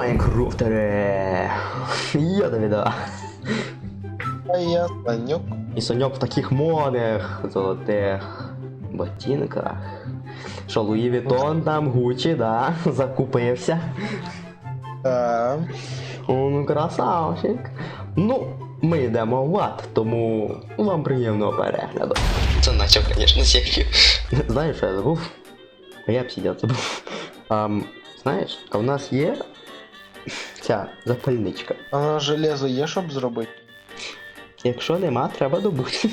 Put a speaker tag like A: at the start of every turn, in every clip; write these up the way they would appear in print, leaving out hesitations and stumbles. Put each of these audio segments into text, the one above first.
A: Майнкрафтере! Я Давіда.
B: А я Санюк.
A: І Саньок в таких модних золотих ботинках. Що, Луї Вітон там, Гучі, да? Закупився.
B: Так.
A: О, ну красавчик. Ну, ми йдемо в ад, тому вам приємного перегляду. Це наче, звісно, серію. Знаєш, що я забув? А я б сидів забув. Знаєш, а в нас є ця запальничка.
B: А на железо є, щоб зробити?
A: Якщо нема, треба добути.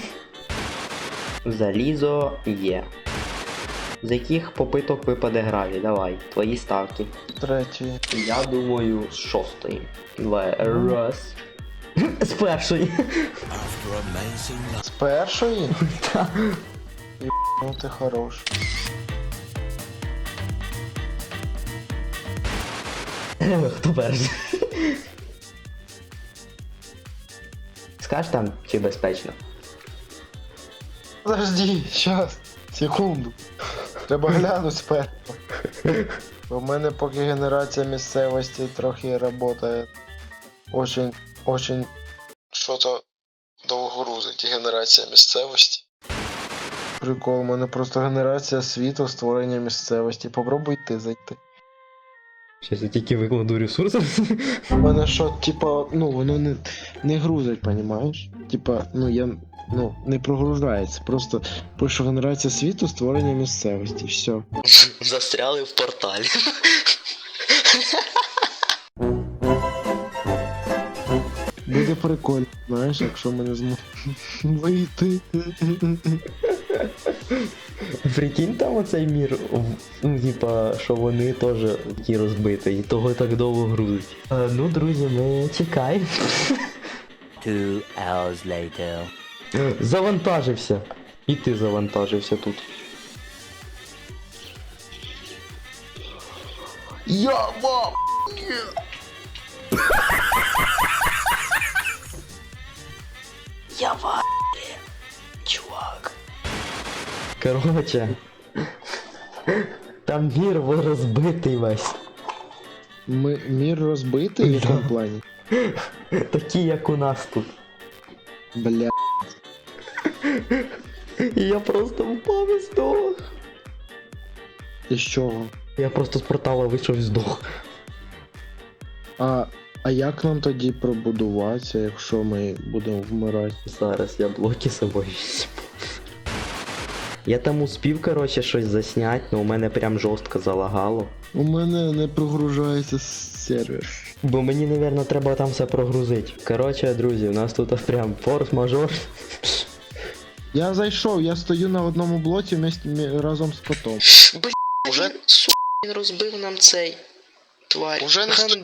A: Залізо є. З яких попиток випаде гравій? Давай, твої ставки.
B: Третій.
A: Я думаю, з шостої. Давай, раз. З першої.
B: З першої?
A: Так.
B: Ну ти хорош.
A: Хто перший? Скаж там, чи безпечно?
B: Подожди, щас. Секунду. Треба глянути спершу. У мене поки генерація місцевості трохи працює. Очень що-то довго грузить генерація місцевості. Прикол, у мене просто генерація світу, створення місцевості. Попробуй ти зайти.
A: Щас я тільки викладу ресурси.
B: У мене що, типа, ну воно не грузить, понімаєш? Типа, не прогружається. Просто пишу генерація світу, створення місцевості. Все.
A: Застряли в порталі.
B: Буде прикольно, знаєш, якщо ми не зможемо вийти.
A: Прикинь там оцей мір, ну типа, що вони теж такі розбиті, і того так довго грузить. Ну, друзі, ми чекаємо.
C: 2 hours later.
A: Завантажився. І ти завантажився тут. Я вам! Я вам! Чувак. Короче. Там мір розбитий весь.
B: Мір розбитий в якому плані?
A: Такі, як у нас тут.
B: Бля.
A: І я просто впав і здох.
B: І з чого?
A: Я просто з портала вийшов і здох.
B: А як нам тоді пробудуватися, якщо ми будемо вмирати?
A: Зараз я блоки з собою візьму. Я там успів, короче, щось засняти, але у мене прям жорстко залагало.
B: У мене не прогружається сервер.
A: Бо мені, напевно, треба там все прогрузити. Короче, друзі, у нас тут прям форс-мажор.
B: Я зайшов, я стою на одному блоці разом з котом.
A: Уже, сука, він розбив нам цей тварь.
B: Уже не стою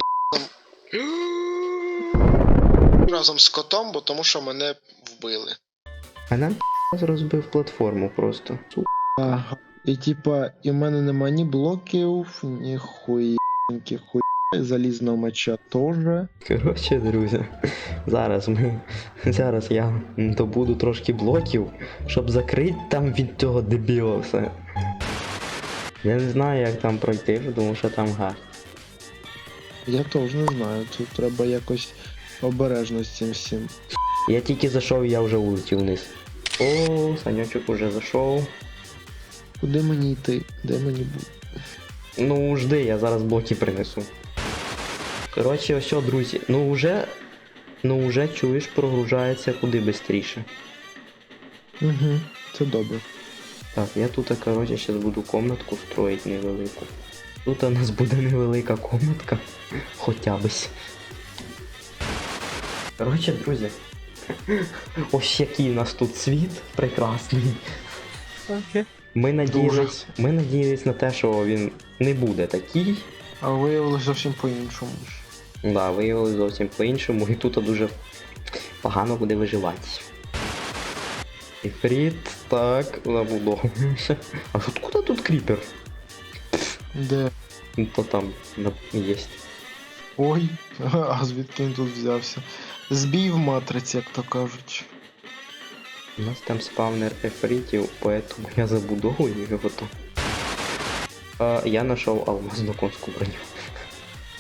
B: разом з котом, бо тому що мене вбили.
A: А нам розбив платформу просто.
B: Ага. І типа, і в мене нема ні блоків, ні хуєньких залізного меча теж.
A: Коротше, друзі, зараз я добуду трошки блоків, щоб закрити там від цього дебіла все. Я не знаю, як там пройти, тому що там гад.
B: Я теж не знаю, тут треба якось обережно з цим всім.
A: Я тільки зайшов і я вже улетів вниз. О, Санечок уже зайшов.
B: Куди мені йти? Де мені бути?
A: Ну, жди, я зараз блоки принесу. Коротше, ось, друзі, ну вже чуєш, прогружається куди швидше.
B: Угу, це добре.
A: Так, я тут, коротше, зараз буду комнатку строїти невелику. Тут у нас буде невелика комнатка. Хоча бись. Коротше, друзі. Ось який у нас тут світ прекрасний.
B: Окей.
A: Ми надіялись на те, що він не буде такий.
B: А виявилося зовсім по-іншому.
A: Да, виявилось зовсім по-іншому, і тут дуже погано буде виживати. Ефріт, так, забудовуємося. А откуда тут кріпер?
B: Де?
A: Ну, то там є.
B: Ой, а звідки він тут взявся? Збій в матриці, як то кажуть.
A: У нас там спавнер ефритів, поэтому я забудовую його там. Я знайшов алмазну конську броню.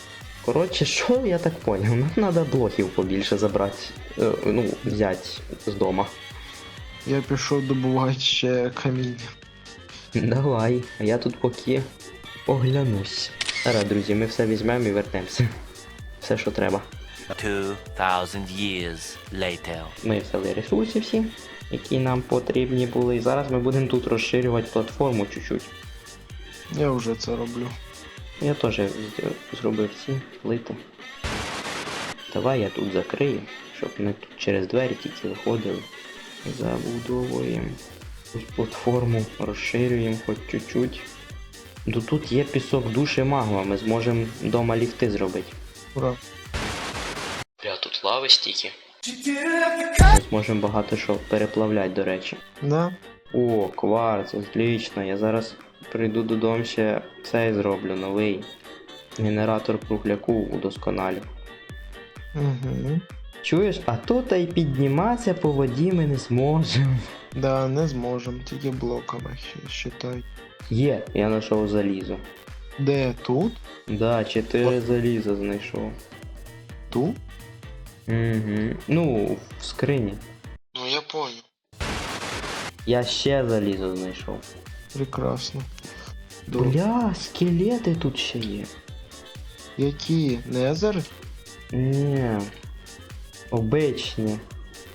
A: Коротше, що я так поняв? Нам треба блоків побільше забрати. Ну, взяти з дома.
B: Я пішов добувати ще каміння.
A: Давай, а я тут поки оглянусь. Зараз, друзі, ми все візьмемо і вернемося. Все, що треба.
C: 2,000 years later.
A: Ми взяли ресурси всі, які нам потрібні були. І зараз ми будемо тут розширювати платформу чуть-чуть.
B: Я вже це роблю.
A: Я теж зробив ці плити. Давай я тут закрию, щоб ми тут через двері тільки виходили. Забудовуємо ось платформу, розширюємо хоч чуть-чуть. Тут є пісок душі магма, ми зможемо вдома ліфти зробити.
B: Ура.
A: Бля, тут лави стільки. Ми зможемо багато що переплавляти, до речі.
B: Да?
A: О, кварц, отлично. Я зараз прийду додому ще цей зроблю, новий. Генератор кругляку удосконалю.
B: Угу.
A: Чуєш, а тут і підніматися по воді ми не зможемо.
B: Да, не зможем, тільки блоками считай.
A: Є, я знайшов залізо.
B: Де тут?
A: Да, 4 заліза знайшов.
B: Тут?
A: Угу. Ну, в скрині.
B: Ну я понял.
A: Я ще залізо знайшов.
B: Прекрасно. Добре.
A: Бля, скелети тут ще є.
B: Які? Незер?
A: Ні. Обичні.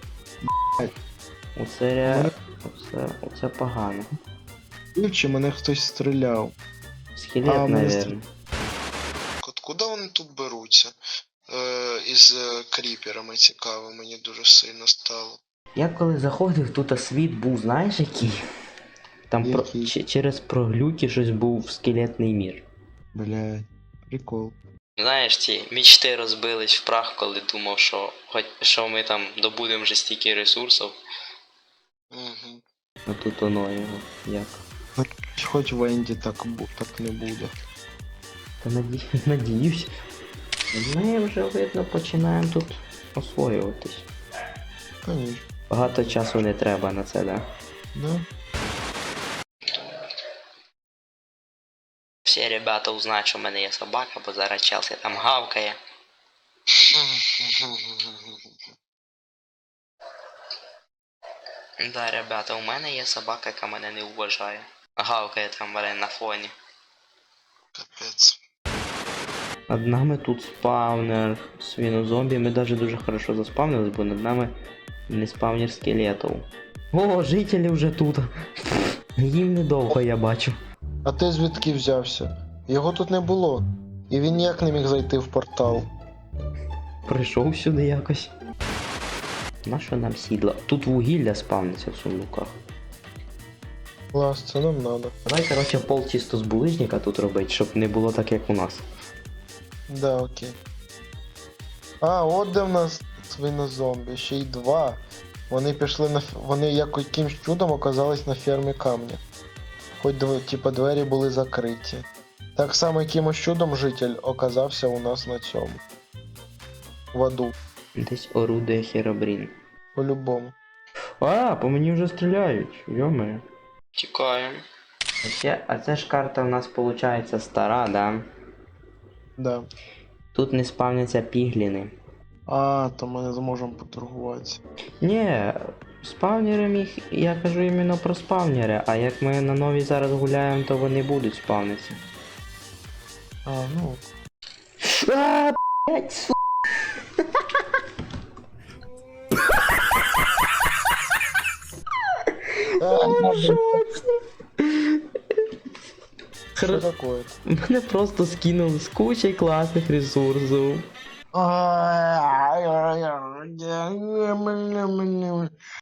A: Оце оце погано.
B: Чи мене хтось стріляв?
A: Скелет,
B: А, мене
A: наверное.
B: Откуда вони тут беруться? Із кріперами цікаво, мені дуже сильно стало.
A: Я коли заходив, тут світ був, знаєш який? Там
B: Який?
A: через проглюки щось був скелетний мір.
B: Блядь, прикол.
A: Знаєш, ці мічти розбились в прах, коли думав, що ми там добудемо вже стільки ресурсів.
B: Угу.
A: А тут воно його як.
B: Хоч в Енді так не буде.
A: Та надіюсь. Ми вже, видно, починаємо тут освоюватись.
B: Конечно.
A: Багато часу не треба на це, да?
B: Да?
A: Всі ребята узнають, що в мене є собака, бо зараз Челсі там гавкає. Да, ребята, у мене є собака, яка мене не вважає. Гавкає там мене на фоні.
B: Капець.
A: Над нами тут спавнер свинозомбі. Ми навіть дуже хорошо заспавнились, бо над нами не спавнер скелетів. О, жителі вже тут. Їм недовго, я бачу.
B: А ти звідки взявся? Його тут не було. І він ніяк не міг зайти в портал.
A: Прийшов сюди якось. Нащо нам сідла? Тут вугілля спавниться в сундуках.
B: Клас, це нам надо.
A: Давай, короче, пол чисто з булижника тут робити, щоб не було так, як у нас.
B: Да, окей. А, от де в нас свинозомбі, ще й два. Вони пішли на вони якимсь чудом оказались на фермі камня. Хоч типа двері були закриті. Так само якимось чудом житель оказався у нас на цьому. В аду.
A: Десь орудує Херобрін.
B: По-любому.
A: А, по мені вже стріляють, йоме. Тікаємо. А це ж карта в нас виходить стара, да?
B: Да.
A: Тут не спавняться пігліни.
B: А, то ми не зможемо поторгуватися.
A: Ні, спавнери їх, я кажу іменно про спавнери, а як ми на новій зараз гуляємо, то вони будуть спавнитися.
B: А, ну.
A: А, блять, су...
B: Що такое?
A: Мене просто скинули з кучей класних ресурсів.